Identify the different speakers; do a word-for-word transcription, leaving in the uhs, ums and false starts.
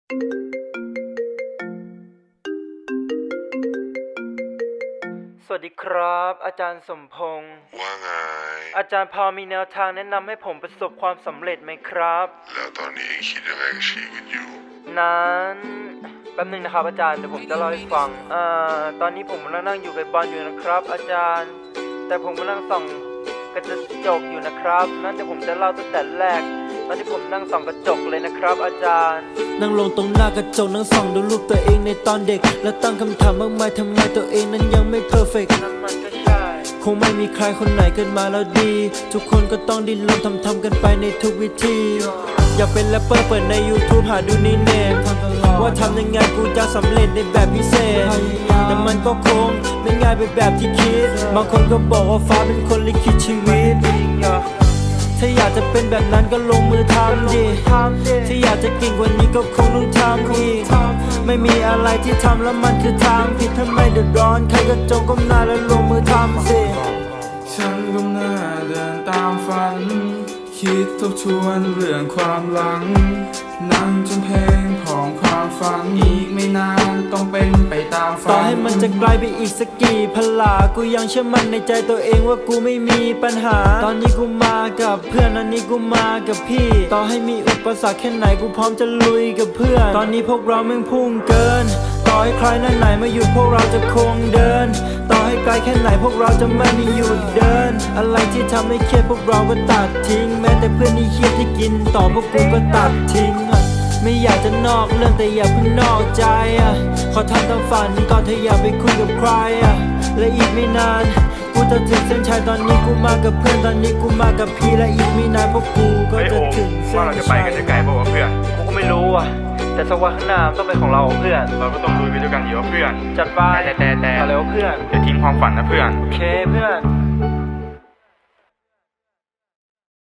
Speaker 1: สวัสดีครับอาจารย์สมพงษ์
Speaker 2: ว่าไง
Speaker 1: อาจารย์พอมีแนวทางแนะนำให้ผมประสบความสำเร็จไหมครับ
Speaker 2: แล้วตอนนี้เองคิดยังไงกับชีวิตอยู่
Speaker 1: นั้นแป๊บนึงนะครับอาจารย์เดี๋ยวผมจะเล่าให้ฟังอ่าตอนนี้ผมกำลังนั่งอยู่กับบอลอยู่นะครับอาจารย์แต่ผมกำลังส่องกระจกอยู่นะครับนั้นเดี๋ยวผมจะเล่าตั้งแต่แรกตอนที่ผมนั่งส่องกระจกเลยนะครับอาจารย์
Speaker 3: นั่งลงตรงหน้ากระจกนั่งส่องดูรูปตัวเองในตอนเด็กแล้วตั้งคำถามมากมายทำไมตัวเองนั้นยังไม่เพอร์เฟกต์
Speaker 1: นั่นมันก็ใช่
Speaker 3: คงไม่มีใครคนไหนเกิดมาแล้วดีทุกคนก็ต้องดิ้นรนทำทำกันไปในทุกวิธีอยากเป็นแรปเปอร์เปิดใน YouTube หาดูนี่เนมว่าทำยังไงกูจะสำเร็จในแบบพิเศษแต่มันก็คงไม่ง่ายไปแบบที่คิดบางคนก็บอกว่าฟ้าเป็นคนลิขิตชีวิตถ้าอยากจะเป็นแบบนั้นก็ลงมือทำดิถ้าอยากจะเก่งกว่านี้ก็คงต้องทำอีกไม่มีอะไรที่ทำแล้วมันคือทางผิดถ้าไม่เดือดร้อนใครก็จงก้มหน้าแล้วลงมือทำสิ
Speaker 4: ฉันก้มหน้าเดินตามฝันคิดทบทวนเรื่องความหลังนั่งจนเพลงของความฝันอีกไม่นานต้องเป็นไปตามฝัน
Speaker 3: ต่อให้มันจะไกลไปอีกสักกี่พลากูยังเชื่อมั่นในใจตัวเองว่ากูไม่มีปัญหาตอนนี้กูมากับเพื่อนอันนี้กูมากับพี่ต่อให้มีอุปสรรคแค่ไหนกูพร้อมจะลุยกับเพื่อนตอนนี้พวกเราแม่งพุ่งเกินต่อให้ใครนั่นไหนมาหยุดพวกเราจะคงเดินต่อให้ไกลแค่ไหนพวกเราจะไม่มีหยุดเดินอะไรที่ทำให้เครียดพวกเราก็ตัดทิ้งแม้แต่เพื่อนที่เครียดที่กินต่อพวกกูก็ตัดทิ้งไม่อยากจะนอกเรื่องแต่อย่าเพิ่งนอกใจอ่ะขอทำตามฝันก่อนเธออย่าไปคุยกับใครอ่ะและอีกไม่นานกูจะถึงเส้นชัยตอนนี้กูมากับเพื่อนตอนนี้กูมากับพี่และอีกไม่นานพวกกูก็จะถึงเส้นชัย
Speaker 5: ว่าเราจะไปกันได้ไกลป่าวเพื่อน
Speaker 1: กูก็ไม่รู้อ่ะแต่สักวันข้างหน้าต้องเป็นของเราเพื่อน
Speaker 5: เราก็ต้องลุยไปด้วยกันอยู่เพื่อน
Speaker 1: จัดไป
Speaker 5: แต่แต่แต่
Speaker 1: เอาแล้วเพื่อน
Speaker 5: อย่าทิ้งความฝันนะเพื่อน
Speaker 1: โอเคเพื่อน